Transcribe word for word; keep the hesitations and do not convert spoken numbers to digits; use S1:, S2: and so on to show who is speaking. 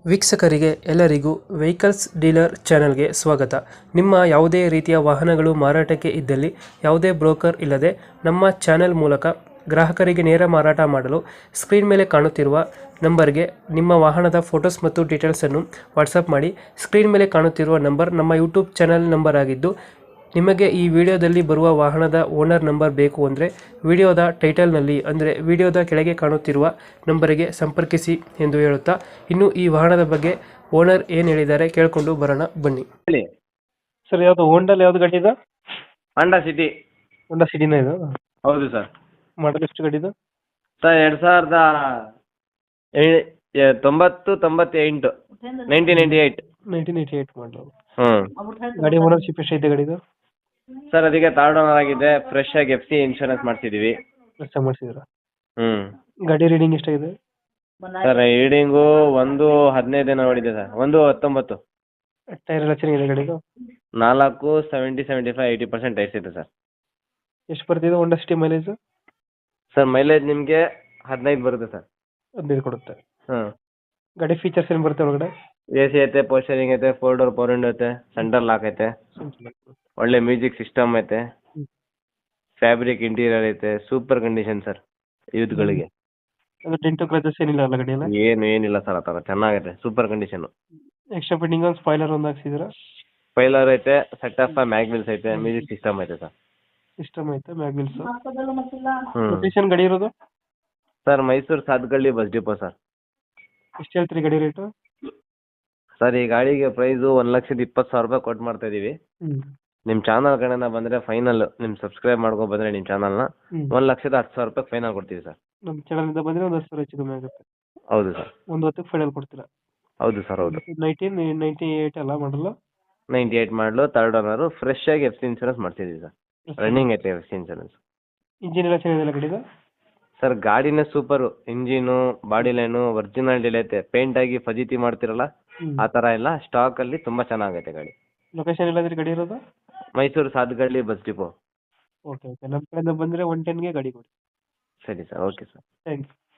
S1: ವೀಕ್ಷಕರಿಗೆ ಎಲ್ಲರಿಗೂ vehicles dealer ಚಾನೆಲ್ಗೆ ಸ್ವಾಗತ. ನಿಮ್ಮ ಯಾವುದೇ ರೀತಿಯ ವಾಹನಗಳು ಮಾರಾಟಕ್ಕೆ ಇದ್ದಲ್ಲಿ ಯಾವುದೇ ಬ್ರೋಕರ್ ಇಲ್ಲದೆ ನಮ್ಮ ಚಾನೆಲ್ ಮೂಲಕ ಗ್ರಾಹಕರಿಗೆ ನೇರ ಮಾರಾಟ ಮಾಡಲು ಸ್ಕ್ರೀನ್ ಮೇಲೆ ಕಾಣುತ್ತಿರುವ ನಂಬರ್ಗೆ ನಿಮ್ಮ ವಾಹನದ ಫೋಟೋಸ್ ಮತ್ತು ಡೀಟೇಲ್ಸನ್ನು ವಾಟ್ಸಪ್ ಮಾಡಿ. ಸ್ಕ್ರೀನ್ ಮೇಲೆ ಕಾಣುತ್ತಿರುವ ನಂಬರ್ ನಮ್ಮ ಯೂಟ್ಯೂಬ್ ಚಾನೆಲ್ ನಂಬರ್ ಆಗಿದ್ದು, ನಿಮಗೆ ಈ ವಿಡಿಯೋದಲ್ಲಿ ಬರುವ ವಾಹನದ ಓನರ್ ನಂಬರ್ ಬೇಕು ಅಂದರೆ ವಿಡಿಯೋದ ಟೈಟಲ್ನಲ್ಲಿ ಅಂದರೆ ವಿಡಿಯೋದ ಕೆಳಗೆ ಕಾಣುತ್ತಿರುವ ನಂಬರಿಗೆ ಸಂಪರ್ಕಿಸಿ ಎಂದು ಹೇಳುತ್ತಾ, ಇನ್ನು ಈ ವಾಹನದ ಬಗ್ಗೆ ಓನರ್ ಏನು ಹೇಳಿದ್ದಾರೆ ಕೇಳಿಕೊಂಡು ಬರೋಣ ಬನ್ನಿ.
S2: ಹೇಳಿ.
S1: ಸರ್, ಯಾವುದು ಹೋಂಡಲ್ಲಿ ಯಾವ್ದು ಗಾಡಿ ಇದೆ?
S2: ಹಾಂಡಾ ಸಿಟಿ.
S1: ಹೋಂಡಾ ಸಿಟಿನ ಇದು?
S2: ಹೌದು ಸರ್.
S1: ಮಾಡಲ್ ಎಷ್ಟು ಗಾಡಿ ಇದು?
S2: ಸರ್ ಎರಡು ಸಾವಿರದ ಏ- ಎ- ತೊಂಬತ್ತು ತೊಂಬತ್ತೆಂಟು nineteen ninety eight.
S1: Nineteen eighty eight ಮಾಡಲು.
S2: ಹ್ಞೂ
S1: ಗಾಡಿ ಓನರ್ಶಿಪ್ ಎಷ್ಟೈತೆ ಗಾಡಿದು?
S2: ಸರ್, ಅದಕ್ಕೆ ಥರ್ಡ್ ಓನರ್ ಆಗಿದೆ. ಫ್ರೆಶ್ ಆಗಿ ಎಫ್ ಸಿ ಇನ್ಶೂರೆನ್ಸ್ ಮಾಡಿಸಿದ್ದೀವಿ.
S1: ಕೆಲಸ ಮಾಡಿಸಿದ್ರ?
S2: ಹ್ಞೂ
S1: ಗಾಡಿ ರೀಡಿಂಗ್ ಎಷ್ಟಾಗಿದೆ?
S2: ಸರ್, ರೀಡಿಂಗು ಒಂದು ಹದಿನೈದು ದಿನ ನೋಡಿದೆ ಸರ್. ಒಂದು ಹತ್ತೊಂಬತ್ತು.
S1: ಟೈರ್ ಎಲ್ಲ ಚೆನ್ನಾಗಿದೆ ಗಾಡಿದು?
S2: ನಾಲ್ಕು seventy seventy five eighty percent tyres ಇದೆ ಸರ್.
S1: ಎಷ್ಟು ಬರ್ತಿದೆ Honda City mileage?
S2: Sir, mileage ನಿಮಗೆ ಹದಿನೈದು ಬರುತ್ತೆ ಸರ್.
S1: ಹದಿನೈದು ಕೊಡುತ್ತೆ.
S2: ಹ್ಞೂ
S1: ಗಾಡಿ ಫೀಚರ್ಸ್ ಏನು ಬರುತ್ತೆ ಒಳಗಡೆ?
S2: ಎ ಸಿ ಐತೆ, ಪೋಸ್ಟರಿಂಗ್ ಐತೆ, ಫೋರ್ ಡೋರ್ ಫೋರ್ ವಿಂಡೋ ಐತೆ, ಸೆಂಟರ್ ಲಾಕ್ ಐತೆ, ಒಳ್ಳೆ ಮ್ಯೂಸಿಕ್ ಸಿಸ್ಟಮ್ ಐತೆ, ಫ್ಯಾಬ್ರಿಕ್ ಇಂಟೀರಿಯರ್ ಐತೆ. ಸೂಪರ್ ಕಂಡೀಷನ್ ಸರ್ ಯೂತ್ಗಳಿಗೆ.
S1: ಅದು ಡೆಂಟು ಕ್ರಚಸ್ ಏನಿಲ್ಲ ಅಲ್ಲ ಗಾಡಿಯಲ್ಲ?
S2: ಏನು ಏನಿಲ್ಲ ಸರ್, ಆ ಥರ ಚೆನ್ನಾಗೈತೆ. Super condition.
S1: ಎಕ್ಸ್ಟ್ರಾ ಫಿಟ್ಟಿಂಗ್ ಒಂದು ಸ್ಪಾಯ್ಲರ್ ಒಂದು ಹಾಕ್ಸಿದ್ರ?
S2: ಸ್ಪೈಲರ್ ಐತೆ, ಸೆಟ್ ಆಫ್ ಮ್ಯಾಗ್ವಿಲ್ಸ್ ಐತೆ, ಮ್ಯೂಸಿಕ್ ಸಿಸ್ಟಮ್ ಐತೆ ಸರ್.
S1: ಸಿಸ್ಟಮ್ ಐತೆ, ಮ್ಯಾಗ್ವಿಲ್ಸ್.
S2: ಹ್ಞೂ
S1: ಲೊಕೇಶನ್ ಗಾಡಿ ಇರೋದು?
S2: Sir, Mysuru Sathagalli bus depot sir.
S1: ಎಷ್ಟು ಹೇಳ್ತೀರಿ ಗಾಡಿ ರೇಟು?
S2: ಸರ್, ಈ ಗಾಡಿಗೆ ಪ್ರೈಸು ಒಂದು ಲಕ್ಷದ ಇಪ್ಪತ್ತು ಸಾವಿರ ರೂಪಾಯಿ ಕೊಟ್ಟು ಮಾಡ್ತಾ ಇದೀವಿ.
S1: ಹ್ಞೂ
S2: ನಿಮ್ಮ ಚಾನಲ್ ಕಡೆಯಿಂದ ಬಂದರೆ ಫೈನಲ್, ನಿಮ್ಮ ಸಬ್ಸ್ಕ್ರೈಬ್ ಮಾಡ್ಕೊ ಬಂದರೆ ನಿಮ್ಮ ಚಾನಲ್ನ
S1: ಹ್ಞೂ
S2: ಒಂದು ಲಕ್ಷದ ಹತ್ತು ಸಾವಿರ ರೂಪಾಯಿ ಫೈನಲ್ ಕೊಡ್ತೀವಿ ಸರ್.
S1: ನಮ್ಮ ಚಾನಲಿಂದ ಬಂದರೆ ಒಂದು ಹತ್ತು ಸಾವಿರ ಹೆಚ್ಚು ಕಮ್ಮಿ ಆಗುತ್ತೆ.
S2: ಹೌದು ಸರ್.
S1: ಒಂದು ಹತ್ತಕ್ಕೆ ಫೈನಲ್ ಕೊಡ್ತೀರಾ?
S2: ಹೌದು ಸರ್, ಹೌದು.
S1: ನೈನ್ಟೀನ್ ನೈಂಟಿ ಏಯ್ಟ್ ಅಲ್ಲ ಮಾಡಲು?
S2: ನೈಂಟಿ ಏಯ್ಟ್ ಮಾಡಲು, ತರ್ಡ್ ಓನರು, ಫ್ರೆಶ್ ಆಗಿ ಎಫ್ ಸಿ ಇನ್ಶೂರೆನ್ಸ್ ಮಾಡ್ತಿದ್ದೀವಿ ಸರ್. ರನ್ನಿಂಗ್ ಐತೆ ಎಫ್ ಸಿ ಇನ್ಶೂರೆನ್ಸ್.
S1: ಇಂಜಿನ್ ಎಲ್ಲ ಚೆನ್ನಾಗಿದೆಯಲ್ಲ ಗಾಡಿದು?
S2: ಸರ್, ಗಾಡಿನೇ super. Engine, body line originality ಐತೆ. ಪೇಂಟ್ ಆಗಿ ಫಜೀತಿ ಮಾಡ್ತಿರಲ್ಲ,
S1: ಹ್ಞೂ
S2: ಆ ಥರ ಎಲ್ಲ ಸ್ಟಾಕಲ್ಲಿ ತುಂಬ ಚೆನ್ನಾಗೈತೆ ಗಾಡಿ.
S1: ಲೊಕೇಶನ್ ಎಲ್ಲಾದ್ರೂ ಗಾಡಿ ಇರೋದು?
S2: Mysuru Sathagalli bus depot.
S1: Okay okay ನಮ್ಮ ಕಡೆಯಿಂದ ಬಂದರೆ ಒನ್ ಟೆನ್ಗೆ ಗಾಡಿ ಕೊಡಿ.
S2: ಸರಿ sir, okay sir.
S1: Thank you.